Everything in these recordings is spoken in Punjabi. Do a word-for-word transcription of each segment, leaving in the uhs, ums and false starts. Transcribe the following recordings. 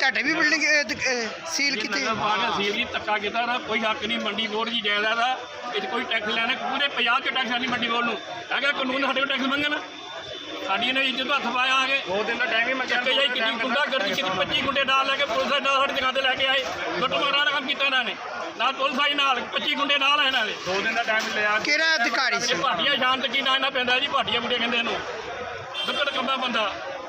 ਤੁਹਾਡੇ ਵੀ ਬਿਲਡਿੰਗ ਸੀਲ ਕੀਤੀ? ਸੀਲ ਜੀ ਧੱਕਾ ਕੀਤਾ ਨਾ, ਕੋਈ ਹੱਕ ਨਹੀਂ ਮੰਡੀ ਬੋਰਡ ਦੀ ਜਾਇਦਾਦ ਆ, ਇਹ 'ਚ ਕੋਈ ਟੈਕਸ ਲੈਣਾ। ਪੂਰੇ ਪੰਜਾਬ 'ਚ ਟੈਕਸ ਆਣੀ ਮੰਡੀ ਬੋਰਡ ਨੂੰ ਹੈਗਾ ਕਾਨੂੰਨ, ਸਾਡੇ ਕੋਲ ਟੈਕਸ ਮੰਗਣ। ਸਾਡੀ ਨੇ ਇੱਜ਼ਤ ਹੱਥ ਪਾਇਆ ਆ ਕੇ ਦੋ ਦਿਨ ਦਾ ਟਾਈਮ ਹੀ ਮੰਗਿਆ। ਜਾਈ ਕੀਤੀ ਗੁੰਡਾ ਗਰਦੀ ਕੀਤੀ, ਪੱਚੀ ਗੁੰਡੇ ਨਾਲ ਲੈ ਕੇ ਪੁਲਿਸ ਦੇ ਨਾਲ ਸਾਡੀ ਦੁਕਾਨ ਤੇ ਲੈ ਕੇ ਆਏ। ਲੁੱਟ ਮਾਰਾਂ ਦਾ ਕੰਮ ਕੀਤਾ ਇਹਨਾਂ ਨੇ, ਨਾਲ ਪੁਲਿਸ ਆਈ ਨਾਲ, ਪੱਚੀ ਗੁੰਡੇ ਨਾਲ ਆਏ ਇਹਨਾਂ ਨੇ। ਦੋ ਦਿਨ ਦਾ ਟਾਈਮ ਲਿਆ। ਕਿਹੜਾ ਅਧਿਕਾਰੀ ਸੀ? ਭਾਟੀਆ ਸ਼ਾਂਤ ਕੀ ਨਾਂ ਇਹਨਾਂ ਪੈਂਦਾ ਜੀ, ਭਾਟੀਆ ਮੁੰਡੇ ਕਹਿੰਦੇ ਇਹਨੂੰ, ਦੁੱਕੜ ਕੰਮਾ ਬੰਦਾ।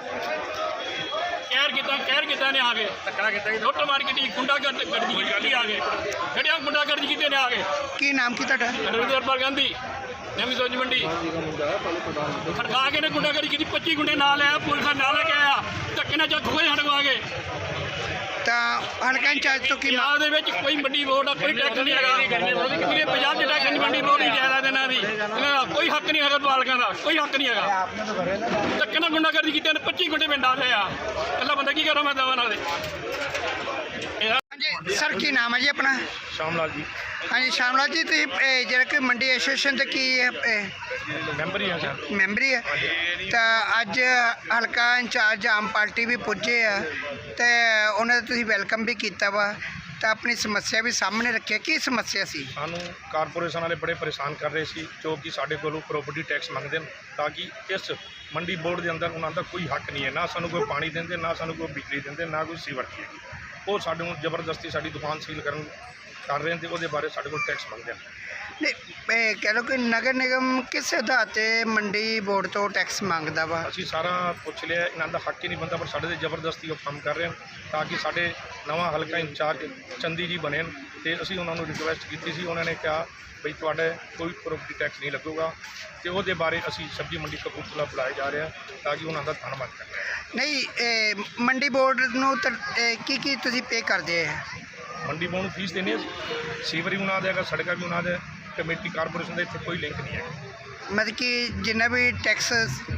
ਕਹਿਰ ਕੀਤਾ ਕਹਿਰ ਕੀਤਾ ਨੇ ਆ ਕੇ ਧੱਕਾ ਕੀਤਾ, ਲੁੱਟ ਮਾਰ ਕੀਤੀ, ਗੁੰਡਾ ਗਰਦੀ ਕੀਤੀ ਆ ਕੇ, ਜਿਹੜਿਆ ਗੁੰਡਾ ਗਰਦੀ ਕੀਤੇ ਨੇ ਆ ਕੇ। ਕੀ ਨਾਮ ਕੀ ਤੁਹਾਡਾ? ਰਵਿੰਦਰ ਗਾਂਧੀ, ਨਵੀਂ ਸੋਚ ਮੰਡੀ। ਖੜਕਾ ਕੇ ਨੇ ਗੁੰਡਾਗਰਦੀ ਕੀਤੀ, ਪੱਚੀ ਗੁੰਡੇ ਨਾਲ ਆਇਆ, ਪੁਲਿਸ ਨਾਲ ਲੈ ਕੇ ਆਇਆ, ਧੱਕੇ ਨਾਲ ਚੱਕ ਹੋਏ ਹਟਵਾ ਕੇ। ਤਾਂ ਹਲਕਾ ਇੰਚਾਰਜ ਤੋਂ ਕੀ ਪੰਜਾਬ ਦੇ ਵਿੱਚ ਕੋਈ ਮੰਡੀ ਬੋਰਡ ਦਾ ਕੋਈ ਟੈਕਸ ਨਹੀਂ ਹੈਗਾ। ਪੂਰੇ ਪੰਜਾਬ 'ਚ ਟੈਕਸ ਨਹੀਂ, ਮੰਡੀ ਬੋਰਡ ਦੀ ਜਾਇਦਾਦ ਇਹਨਾਂ ਦੀ, ਇਹਨਾਂ ਦਾ ਕੋਈ ਹੱਕ ਨਹੀਂ ਹੈਗਾ, ਪਾਲਕਾਂ ਦਾ ਕੋਈ ਹੱਕ ਨਹੀਂ ਹੈਗਾ। ਧੱਕੇ ਨਾਲ ਗੁੰਡਾਗਰਦੀ ਕੀਤੀ ਨੇ, ਪੱਚੀ ਗੁੰਡੇ ਪਿੰਡ ਆ ਗਏ ਆ। ਇਕੱਲਾ ਬੰਦਾ ਕੀ ਕਰਾਂ ਮੈਂ ਦਵਾ ਨਾਲ ਦੇ। ਹਾਂਜੀ ਸਰ, ਕੀ ਨਾਮ ਹੈ ਜੀ ਆਪਣਾ? ਸ਼ਾਮ ਲਾਲ ਜੀ। ਹਾਂਜੀ ਸ਼ਾਮ ਲਾਲ ਜੀ, ਤੁਸੀਂ ਇਹ ਜਿਹੜਾ ਕਿ ਮੰਡੀ ਐਸੋਸੀਏਸ਼ਨ ਦੇ ਕੀ ਮੈਂਬਰ ਹੀ ਹਾਂ ਸਰ। ਮੈਂਬਰੀ ਹੈ, ਤਾਂ ਅੱਜ ਹਲਕਾ ਇੰਚਾਰਜ ਆਮ ਪਾਰਟੀ ਵੀ ਪੁੱਜੇ ਆ ਤੇ ਉਹਨਾਂ ਦਾ ਤੁਸੀਂ ਵੈਲਕਮ ਵੀ ਕੀਤਾ ਵਾ, ਤਾਂ ਆਪਣੀ ਸਮੱਸਿਆ ਵੀ ਸਾਹਮਣੇ ਰੱਖਿਆ। ਕੀ ਸਮੱਸਿਆ ਸੀ? ਸਾਨੂੰ ਕਾਰਪੋਰੇਸ਼ਨ ਵਾਲੇ ਬੜੇ ਪਰੇਸ਼ਾਨ ਕਰ ਰਹੇ ਸੀ, ਜੋ ਕਿ ਸਾਡੇ ਕੋਲੋਂ ਪ੍ਰੋਪਰਟੀ ਟੈਕਸ ਮੰਗਦੇ ਨੇ, ਤਾਂ ਕਿ ਇਸ ਮੰਡੀ ਬੋਰਡ ਦੇ ਅੰਦਰ ਉਹਨਾਂ ਦਾ ਕੋਈ ਹੱਕ ਨਹੀਂ ਹੈ। ਨਾ ਸਾਨੂੰ ਕੋਈ ਪਾਣੀ ਦਿੰਦੇ, ਨਾ ਸਾਨੂੰ ਕੋਈ ਬਿਜਲੀ ਦਿੰਦੇ, ਨਾ ਕੋਈ ਸੀਵਰ ਦੀ ਹੈਗੀ। ਉਹ ਸਾਡੇ ਨੂੰ ਜ਼ਬਰਦਸਤੀ ਸਾਡੀ ਦੁਕਾਨ ਸੀਲ ਕਰਨ ਕਰ ਰਹੇ ਨੇ ਤੇ ਉਹਦੇ ਬਾਰੇ ਸਾਡੇ ਕੋਲ ਟੈਕਸ ਮੰਗਦੇ ਨੇ। ਨਹੀਂ ਕਹਿ ਲਓ ਕਿ ਨਗਰ ਨਿਗਮ ਕਿਸ ਆਧਾਰ 'ਤੇ ਮੰਡੀ ਬੋਰਡ ਤੋਂ ਟੈਕਸ ਮੰਗਦਾ ਵਾ? ਅਸੀਂ ਸਾਰਾ ਪੁੱਛ ਲਿਆ, ਇਹਨਾਂ ਦਾ ਹੱਕ ਹੀ ਨਹੀਂ ਬਣਦਾ, ਪਰ ਸਾਡੇ 'ਤੇ ਜ਼ਬਰਦਸਤੀ ਉਹ ਕੰਮ ਕਰ ਰਹੇ ਹਨ, ਤਾਂ ਕਿ ਸਾਡੇ ਨਵਾਂ ਹਲਕਾ ਇੰਚਾਰਜ ਚੰਦੀ ਜੀ ਬਣੇ ਤੇ ਅਸੀਂ ਉਹਨਾਂ ਨੂੰ ਰਿਕੁਐਸਟ ਕੀਤੀ ਸੀ। ਉਹਨਾਂ ਨੇ ਕਿਹਾ ਬਈ ਤੁਹਾਡੇ ਕੋਈ ਪ੍ਰੋਪਰਟੀ ਟੈਕਸ ਨਹੀਂ ਲੱਗੂਗਾ, ਤੇ ਉਹਦੇ ਬਾਰੇ ਅਸੀਂ ਸਬਜ਼ੀ ਮੰਡੀ ਕਪੂਰਥਲਾ ਬੁਲਾਏ ਜਾ ਰਹੇ ਹਾਂ, ਤਾਂ ਕਿ ਉਹਨਾਂ ਦਾ ਧੰਨਵਾਦ ਕਰੀਏ। ਨਹੀਂ ਮੰਡੀ ਬੋਰਡ ਨੂੰ ਕੀ ਕੀ ਤੁਸੀਂ ਪੇ ਕਰਦੇ ਆ? ਮੰਡੀ ਬੋਰਡ ਨੂੰ ਫੀਸ ਦੇਣੀ ਹੈ, ਸੀਵਰ ਵੀ ਉਹਨਾਂ ਦਾ ਹੈਗਾ, ਸੜਕਾਂ ਵੀ ਉਹਨਾਂ ਦਾ, ਕਮੇਟੀ ਕਾਰਪੋਰੇਸ਼ਨ ਦਾ ਇੱਥੇ ਕੋਈ ਲਿੰਕ ਨਹੀਂ ਹੈ। ਮਤਲਬ ਕਿ ਜਿੰਨਾ ਵੀ ਟੈਕਸ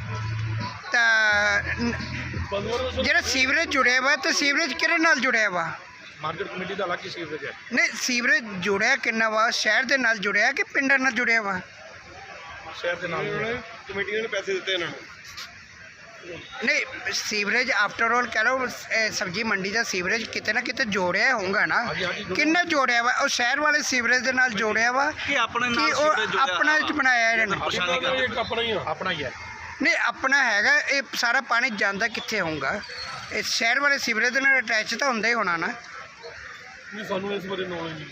ਤਾਂ ਜਿਹੜਾ ਸੀਵਰੇਜ ਜੁੜਿਆ ਵਾ, ਤਾਂ ਸੀਵਰੇਜ ਕਿਹੜੇ ਨਾਲ ਜੁੜਿਆ ਵਾ? ਮਾਰਕੀਟ ਕਮੇਟੀ ਦਾ ਅਲੱਗ ਹੀ ਸੀਵਰੇਜ ਹੈ। ਨਹੀਂ ਸੀਵਰੇਜ ਜੁੜਿਆ ਕਿੰਨਾ ਵਾ? ਸ਼ਹਿਰ ਦੇ ਨਾਲ ਜੁੜਿਆ ਕਿ ਪਿੰਡਾਂ ਨਾਲ ਜੁੜਿਆ ਵਾ? ਸ਼ਹਿਰ ਦੇ ਨਾਲ ਕਮੇਟੀ ਨੇ ਪੈਸੇ ਦਿੱਤੇ ਇਹਨਾਂ ਨੂੰ। ਨਹੀਂ ਸੀਵਰੇਜ ਆਫਟਰ ਆਲ ਕਹਿ ਲਓ, ਸਬਜ਼ੀ ਮੰਡੀ ਦਾ ਸੀਵਰੇਜ ਕਿਤੇ ਨਾ ਕਿਤੇ ਜੋੜਿਆ ਹੋਊਗਾ ਨਾ। ਕਿੰਨੇ ਜੋੜਿਆ ਵਾ? ਉਹ ਸ਼ਹਿਰ ਵਾਲੇ ਸੀਵਰੇਜ ਦੇ ਨਾਲ ਜੋੜਿਆ ਵਾ ਕਿ ਆਪਣੇ ਨਾਲ ਉਹ ਆਪਣਾ ਚ ਬਣਾਇਆ ਇਹਨਾਂ ਨੇ? ਆਪਣਾ ਹੀ ਆਪਣਾ ਹੀ ਹੈ। ਨਹੀਂ ਆਪਣਾ ਹੈਗਾ, ਇਹ ਸਾਰਾ ਪਾਣੀ ਜਾਂਦਾ ਕਿੱਥੇ ਹੋਊਗਾ? ਇਹ ਸ਼ਹਿਰ ਵਾਲੇ ਸੀਵਰੇਜ ਦੇ ਨਾਲ ਅਟੈਚ ਤਾਂ ਹੁੰਦਾ ਹੀ ਹੋਣਾ ਨਾ। ਨਹੀਂ ਸਾਨੂੰ ਇਸ ਬਾਰੇ ਨੌਲੇਜ ਨਹੀਂ।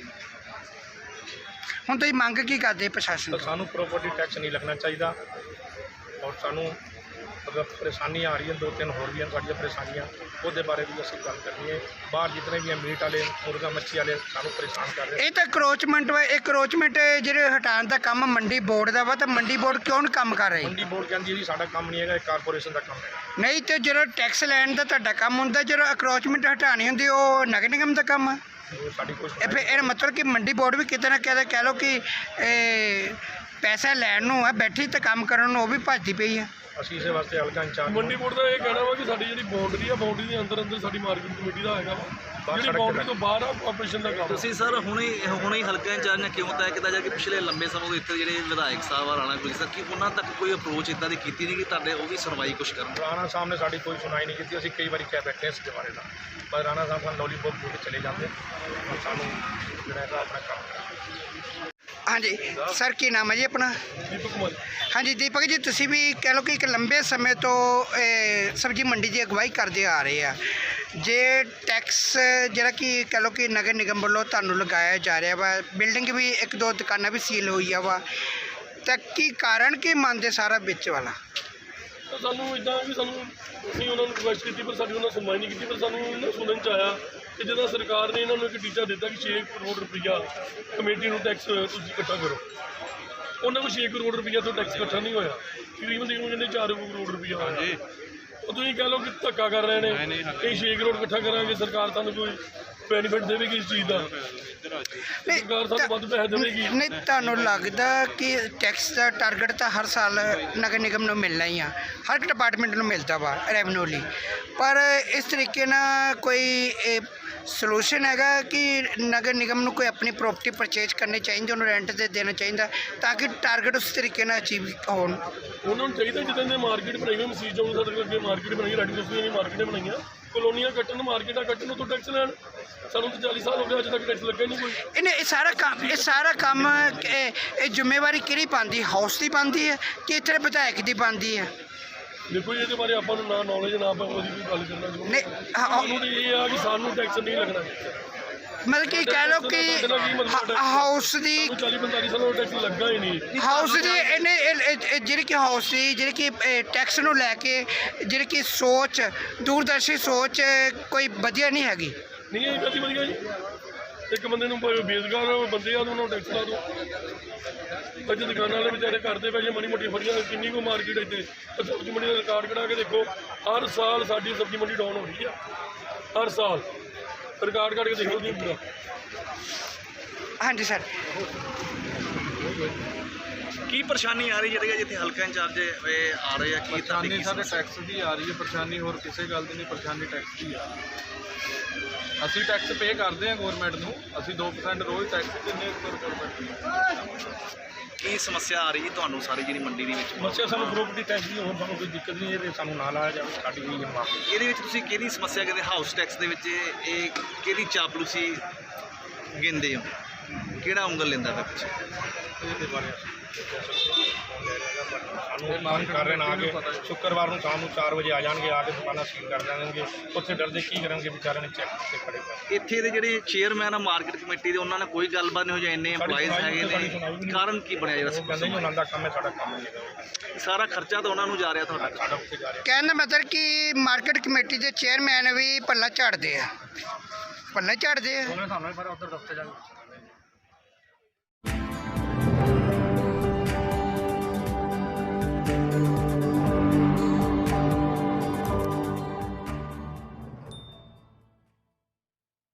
ਹੁਣ ਤੁਸੀਂ ਮੰਗ ਕੀ ਕਰਦੇ ਪ੍ਰਸ਼ਾਸਨ ਤੋਂ? ਸਾਨੂੰ ਪ੍ਰੋਪਰਟੀ ਟੈਕਸ ਨਹੀਂ ਲੱਗਣਾ ਚਾਹੀਦਾ, ਔਰ ਸਾਨੂੰ ਅਗਰ ਪਰੇਸ਼ਾਨੀਆਂ ਆ ਰਹੀਆਂ, ਦੋ ਤਿੰਨ ਹੋਰ ਵੀ ਹਨ ਸਾਡੀਆਂ ਪਰੇਸ਼ਾਨੀਆਂ, ਉਹਦੇ ਬਾਰੇ ਵੀ ਅਸੀਂ ਗੱਲ ਕਰਨੀ ਹੈ। ਬਾਹਰ ਜਿਤਨੇ ਵੀ ਮੀਟ ਵਾਲੇ, ਮੁਰਗਾ ਮੱਛੀ ਵਾਲੇ ਸਾਨੂੰ ਪਰੇਸ਼ਾਨ ਕਰ ਰਹੇ। ਇਹ ਤਾਂ ਕਰੋਚਮੈਂਟ ਵਾ, ਇਹ ਕਰੋਚਮੈਂਟ ਜਿਹੜੇ ਹਟਾਉਣ ਦਾ ਕੰਮ ਮੰਡੀ ਬੋਰਡ ਦਾ ਵਾ, ਤਾਂ ਮੰਡੀ ਬੋਰਡ ਕਿਉਂ ਨਹੀਂ ਕੰਮ ਕਰ ਰਹੀ? ਮੰਡੀ ਬੋਰਡ ਕਹਿੰਦੀ ਹੈ ਜੀ ਸਾਡਾ ਕੰਮ ਨਹੀਂ ਹੈਗਾ, ਇਹ ਕਾਰਪੋਰੇਸ਼ਨ ਦਾ ਕੰਮ ਹੈ। ਨਹੀਂ ਤੇ ਜਦੋਂ ਟੈਕਸ ਲੈਣ ਦਾ ਤੁਹਾਡਾ ਕੰਮ ਹੁੰਦਾ, ਜਦੋਂ ਅਕਰੋਚਮੈਂਟ ਹਟਾਉਣੀ ਹੁੰਦੀ ਉਹ ਨਗਰ ਨਿਗਮ ਦਾ ਕੰਮ ਆ। ਉਹ ਸਾਡੀ ਕੋਈ ਇਹ ਫਿਰ ਇਹਦਾ ਮਤਲਬ ਕਿ ਮੰਡੀ ਬੋਰਡ ਵੀ ਕਿਤੇ ਨਾ ਕਿਤੇ ਕਹਿ ਲਓ ਕਿ ਇਹ ਪੈਸਾ ਲੈਣ ਨੂੰ ਆ ਬੈਠੀ, ਤੇ ਕੰਮ ਕਰਨ ਨੂੰ ਉਹ ਵੀ ਭੱਜਦੀ ਪਈ ਆ। ਅਸੀਂ ਇਸੇ ਵਾਸਤੇ ਹਲਕਾ ਇੰਚਾਰਜ ਮੰਡੀ ਬੋਰਡ ਦਾ ਇਹ ਕਹਿਣਾ ਵਾ ਕਿ ਸਾਡੀ ਜਿਹੜੀ ਬਾਉਂਡਰੀ ਆ, ਬਾਉਂਡਰੀ ਦੇ ਅੰਦਰ ਅੰਦਰ ਸਾਡੀ ਮਾਰਕੀਟ ਕਮੇਟੀ ਦਾ ਹੈਗਾ ਵਾ, ਜਿਹੜੀ ਬਾਉਂਡਰੀ ਤੋਂ ਬਾਹਰ ਆ ਆਪਰੇਸ਼ਨ ਦਾ ਕੰਮ। ਤੁਸੀਂ ਸਰ ਹੁਣੇ ਹੁਣੇ ਹਲਕਾ ਇੰਚਾਰਜ ਨੇ ਕਿਉਂ ਤੈਅ ਕੀਤਾ ਜਾ ਕਿ ਪਿਛਲੇ ਲੰਬੇ ਸਮੇਂ ਤੋਂ ਇੱਥੇ ਜਿਹੜੇ ਵਿਧਾਇਕ ਸਾਹਿਬ ਆ ਰਾਣਾ ਗੁਰਜੀਤ ਸਰ, ਕਿ ਉਹਨਾਂ ਤੱਕ ਕੋਈ ਅਪਰੋਚ ਇੱਦਾਂ ਦੀ ਕੀਤੀ ਨਹੀਂ ਕਿ ਤੁਹਾਡੇ ਉਹ ਵੀ ਸੁਣਵਾਈ ਕੁਛ ਕਰਨ? ਰਾਣਾ ਸਾਹਿਬ ਨੇ ਸਾਡੀ ਕੋਈ ਸੁਣਾਈ ਨਹੀਂ ਕੀਤੀ। ਅਸੀਂ ਕਈ ਵਾਰੀ ਕਹਿ ਬੈਠੇ ਇਸ ਦੇ ਬਾਰੇ ਦਾ, ਪਰ ਰਾਣਾ ਸਾਹਿਬ ਸਾਨੂੰ ਲੋਲੀਪੋਪ ਦੇ ਕੇ ਚਲੇ ਜਾਂਦੇ, ਔਰ ਸਾਨੂੰ ਜਿਹੜਾ ਹੈਗਾ ਆਪਣਾ ਕੰਮ। ਹਾਂਜੀ ਸਰ, ਕੀ ਨਾਮ ਹੈ ਜੀ ਆਪਣਾ? ਦੀਪਕ ਕੁਮਾਰ। ਹਾਂਜੀ ਦੀਪਕ ਜੀ, ਤੁਸੀਂ ਵੀ ਕਹਿ ਲਓ ਕਿ ਇੱਕ ਲੰਬੇ ਸਮੇਂ ਤੋਂ ਸਬਜ਼ੀ ਮੰਡੀ ਦੀ ਅਗਵਾਈ ਕਰਦੇ ਆ ਰਹੇ ਆ। ਜੇ ਟੈਕਸ ਜਿਹੜਾ ਕਿ ਕਹਿ ਲਓ ਕਿ ਨਗਰ ਨਿਗਮ ਵੱਲੋਂ ਤੁਹਾਨੂੰ ਲਗਾਇਆ ਜਾ ਰਿਹਾ ਵਾ, ਬਿਲਡਿੰਗ ਵੀ ਇੱਕ ਦੋ ਦੁਕਾਨਾਂ ਵੀ ਸੀਲ ਹੋਈ ਆ ਵਾ, ਤਾਂ ਕੀ ਕਾਰਨ ਕੀ ਮੰਨਦੇ ਸਾਰਾ ਵਿੱਚ ਵਾਲਾ? ਤਾਂ ਸਾਨੂੰ ਇੱਦਾਂ ਵੀ ਸਾਨੂੰ ਅਸੀਂ ਉਹਨਾਂ ਨੂੰ ਰਿਕੁਐਸਟ ਕੀਤੀ, ਪਰ ਸਾਡੀ ਉਹਨਾਂ ਸੁਣਵਾਈ ਨਹੀਂ ਕੀਤੀ। ਪਰ ਸਾਨੂੰ ਇਹਨਾਂ ਸੁਣਨ 'ਚ ਆਇਆ ਕਿ ਜਦੋਂ ਸਰਕਾਰ ਨੇ ਇਹਨਾਂ ਨੂੰ ਇੱਕ ਟੀਚਾ ਦਿੱਤਾ ਕਿ ਛੇ ਕਰੋੜ ਰੁਪਈਆ ਕਮੇਟੀ ਨੂੰ ਟੈਕਸ ਤੁਸੀਂ ਇਕੱਠਾ ਕਰੋ, ਉਹਨਾਂ ਕੋਲ ਛੇ ਕਰੋੜ ਰੁਪਈਆ ਤੋਂ ਟੈਕਸ ਇਕੱਠਾ ਨਹੀਂ ਹੋਇਆ। ਤਕਰੀਬਨ ਤਕਰੀਬਨ ਕਹਿੰਦੇ ਚਾਰ ਕਰੋੜ ਰੁਪਈਆ ਹੋਇਆ। ਉਹ ਤੁਸੀਂ ਕਹਿ ਲਓ ਕਿ ਧੱਕਾ ਕਰ ਰਹੇ ਨੇ ਕਿ ਛੇ ਕਰੋੜ ਇਕੱਠਾ ਕਰਾਂਗੇ, ਸਰਕਾਰ ਤੁਹਾਨੂੰ ਕੋਈ ਬੈਨੀਫਿਟ ਦੇਵੇਗੀ ਇਸ ਚੀਜ਼ ਦਾ? ਸਰਕਾਰ ਸਾਨੂੰ ਵੱਧ ਪੈਸੇ ਦੇਵੇਗੀ। ਨਹੀਂ ਤੁਹਾਨੂੰ ਲੱਗਦਾ ਕਿ ਟੈਕਸ ਦਾ ਟਾਰਗੇਟ ਤਾਂ ਹਰ ਸਾਲ ਨਗਰ ਨਿਗਮ ਨੂੰ ਮਿਲਣਾ ਹੀ ਆ, ਹਰ ਡਿਪਾਰਟਮੈਂਟ ਨੂੰ ਮਿਲਦਾ ਵਾ ਰੈਵਨਿਊ ਲਈ, ਪਰ ਇਸ ਤਰੀਕੇ ਨਾਲ ਕੋਈ ਸੋਲੂਸ਼ਨ ਹੈਗਾ ਕਿ ਨਗਰ ਨਿਗਮ ਨੂੰ ਕੋਈ ਆਪਣੀ ਪ੍ਰੋਪਰਟੀ ਪਰਚੇਜ ਕਰਨੀ ਚਾਹੀਦੀ, ਉਹਨੂੰ ਰੈਂਟ 'ਤੇ ਦੇਣਾ ਚਾਹੀਦਾ ਤਾਂ ਕਿ ਟਾਰਗੇਟ ਉਸ ਤਰੀਕੇ ਨਾਲ ਅਚੀਵ ਹੋਣ? ਉਹਨਾਂ ਨੂੰ ਚਾਹੀਦਾ ਜਿੱਦਾਂ ਦੇ ਮਾਰਕੀਟ ਬਣਾਈ ਹੋਈ ਮਸੀਤ ਚੌਂਕ ਸਾਡੇ ਅੱਗੇ ਮਾਰਕੀਟ ਬਣਾਈ, ਰੈਡੀ ਦੋਸਤੀ ਦੀ ਮਾਰਕੀਟ ਬਣਾਈਆਂ, ਕਲੋਨੀਆਂ ਕੱਟਣ ਮਾਰਕੀਟਾਂ ਕੱਟਣ ਤੋਂ ਟੈਕਸ ਲੈਣ। ਸਾਨੂੰ ਤਾਂ ਚਾਲੀ ਸਾਲ ਹੋ ਗਏ, ਅੱਜ ਤੱਕ ਟੈਕਸ ਲੱਗਾ ਹੀ ਨਹੀਂ ਕੋਈ। ਇਹਨੇ ਇਹ ਸਾਰਾ ਕੰਮ ਇਹ ਸਾਰਾ ਕੰਮ ਇਹ ਇਹ ਜ਼ਿੰਮੇਵਾਰੀ ਕਿਹੜੀ ਪਾਉਂਦੀ, ਹਾਊਸ ਦੀ ਪਾਉਂਦੀ ਹੈ ਕਿ ਇੱਥੇ ਵਿਧਾਇਕ ਦੀ ਪਾਉਂਦੀ ਹੈ? ਦੇਖੋ ਜੀ, ਇਹਦੇ ਬਾਰੇ ਆਪਾਂ ਨੂੰ ਨਾ ਨੌਲੇਜ ਨਾ ਆਪਾਂ ਉਹਦੀ ਕੋਈ ਗੱਲ ਕਰਨਾ ਚਾਹੁੰਦੇ। ਨਹੀਂ, ਹਾਂ, ਸਾਨੂੰ ਤਾਂ ਇਹ ਆ ਕਿ ਸਾਨੂੰ ਟੈਕਸ ਨਹੀਂ ਲੱਗਣਾ। ਮਤਲਬ ਕਿ ਕਹਿ ਲਓ ਕਿ ਹਾ- ਹਾਊਸ ਦੀ ਸਾਨੂੰ ਚਾਲੀ ਪੰਤਾਲੀ ਸਾਲ ਹੋ ਗਏ ਟੈਕਸ ਲੱਗਾ ਹੀ ਨਹੀਂ। ਹਾਊਸ ਦੀ ਇਹਨੇ ਇਹ- ਇਹ- ਇਹ ਜਿਹੜੀ ਕਿ ਹਾਊਸ ਦੀ ਜਿਹੜੀ ਕਿ ਇਹ ਟੈਕਸ ਨੂੰ ਲੈ ਕੇ ਜਿਹੜੀ ਕਿ ਸੋਚ ਦੂਰਦਰਸ਼ੀ ਸੋਚ ਕੋਈ ਵਧੀਆ ਨਹੀਂ ਹੈਗੀ। ਨਹੀਂ ਇਹ ਕਦੀ ਵਧੀਆ ਜੀ, ਇੱਕ ਬੰਦੇ ਨੂੰ ਭਾਵੇਂ ਬੇਰੁਜ਼ਗਾਰ ਬੰਦੇ ਆ ਉਹਨਾਂ ਨੂੰ ਟੈਕਸ ਲਾ ਦਿਓ। ਅੱਜ ਦੁਕਾਨਾਂ ਵਾਲੇ ਵਿਚਾਰੇ ਕਰਦੇ ਪਏ ਜੇ ਮਾੜੀ ਮੋਟੀ ਫੜੀਆਂ ਕਿੰਨੀ ਕੁ ਮਾਰਕੀਟ ਇੱਥੇ ਸਬਜ਼ੀ ਮੰਡੀ ਦਾ ਰਿਕਾਰਡ ਕਢਾ ਕੇ ਦੇਖੋ। ਹਰ ਸਾਲ ਸਾਡੀ ਸਬਜ਼ੀ ਮੰਡੀ ਡਾਊਨ ਹੋ ਰਹੀ ਆ, ਹਰ ਸਾਲ ਰਿਕਾਰਡ ਕੱਢ ਕੇ ਦੇਖੋ ਜੀ ਪੂਰਾ। ਹਾਂਜੀ ਸਰ, ਕੀ ਪਰੇਸ਼ਾਨੀ ਆ ਰਹੀ ਜਿਹੜੀ ਜਿੱਥੇ ਹਲਕਾ ਇੰਚਾਰਜ ਇਹ ਆ ਰਹੇ ਆ ਕੀ ਤੁਹਾਡੀ ਪਰੇਸ਼ਾਨੀ ਕੀ ਸਾਡੇ ਸਮੱਸਿਆ? ਟੈਕਸ ਦੀ ਆ ਰਹੀ ਹੈ। ਪਰੇਸ਼ਾਨੀ ਹੋਰ ਕਿਸੇ ਗੱਲ ਦੀ ਨਹੀਂ, ਪਰੇਸ਼ਾਨੀ ਟੈਕਸ ਦੀ ਆ। ਅਸੀਂ ਟੈਕਸ ਪੇ ਕਰਦੇ ਹਾਂ ਗਵਰਨਮੈਂਟ ਨੂੰ, ਅਸੀਂ ਦੋ ਪਰਸੈਂਟ ਰੋਜ਼ ਟੈਕਸ ਦਿੰਦੇ ਹਾਂ ਗਵਰਨਮੈਂਟ ਨੂੰ। ਕੀ ਸਮੱਸਿਆ ਆ ਰਹੀ ਹੈ ਤੁਹਾਨੂੰ ਸਾਰੀ ਜਿਹੜੀ ਮੰਡੀ ਦੇ ਵਿੱਚ? ਸਮੱਸਿਆ ਸਾਨੂੰ ਪ੍ਰੋਪਰਟੀ ਟੈਕਸ ਦੀ ਹੋਰ ਸਾਨੂੰ ਕੋਈ ਦਿੱਕਤ ਨਹੀਂ, ਇਹਦੇ ਸਾਨੂੰ ਨਾ ਲਾਇਆ ਜਾਵੇ, ਸਾਡੀ ਕੋਈ ਮਾਫ। ਇਹਦੇ ਵਿੱਚ ਤੁਸੀਂ ਕਿਹਦੀ ਸਮੱਸਿਆ ਕਹਿੰਦੇ ਹਾਊਸ ਟੈਕਸ ਦੇ ਵਿੱਚ ਇਹ ਇਹ ਕਿਹਦੀ ਚਾਪਲੂਸੀ ਗਿਣਦੇ ਹੋ, ਕਿਹੜਾ ਉਂਗਲ ਲੈਂਦਾ ਪਿਆ ਪਿੱਛੇ? ਇਹਦੇ ਬਾਰੇ ਸਾਨੂੰ ਮੰਗ ਕਰ ਰਹੇ ਨੇ ਆ ਕੇ ਸ਼ੁੱਕਰਵਾਰ ਨੂੰ ਸ਼ਾਮ ਨੂੰ ਚਾਰ ਵਜੇ ਆ ਜਾਣਗੇ, ਆ ਕੇ ਦੁਕਾਨਾਂ ਸੀਲ ਕਰ ਦੇਣਗੇ। ਉੱਥੇ ਡਰਦੇ ਕੀ ਕਰਨਗੇ ਵਿਚਾਰਿਆਂ ਨੇ ਚੈੱਕ ਤੇ ਖੜੇ ਪਏ। ਇੱਥੇ ਦੇ ਜਿਹੜੇ ਚੇਅਰਮੈਨ ਆ ਮਾਰਕੀਟ ਕਮੇਟੀ ਦੇ ਉਹਨਾਂ ਨਾਲ ਕੋਈ ਗੱਲਬਾਤ ਨਹੀਂ ਹੋ ਜਾਂ ਇੰਨੇ EMPLOYEES ਹੈਗੇ ਨੇ, ਕਾਰਨ ਕੀ ਬਣਿਆ ਜਿਹੜਾ ਉਹ ਕਹਿੰਦੇ ਜੀ ਉਹਨਾਂ ਦਾ ਕੰਮ ਹੈ, ਸਾਡਾ ਕੰਮ ਨਹੀਂ ਹੈਗਾ। ਸਾਰਾ ਖਰਚਾ ਤਾਂ ਉਹਨਾਂ ਨੂੰ ਜਾ ਰਿਹਾ ਤੁਹਾਡਾ। ਸਾਡਾ ਉੱਥੇ ਜਾ ਰਿਹਾ। ਕਹਿਣ ਦਾ ਮਤਲਬ ਕਿ ਮਾਰਕੀਟ ਕਮੇਟੀ ਦੇ ਚੇਅਰਮੈਨ ਵੀ ਪੱਲਾ ਝਾੜਦੇ ਆ, ਪੱਲਾ ਝਾੜਦੇ ਆ। ਉਹਨੇ ਸਾਨੂੰ ਪਰ ਉੱਧਰ ਦਫ਼ਤਰ ਜਾ ਕੇ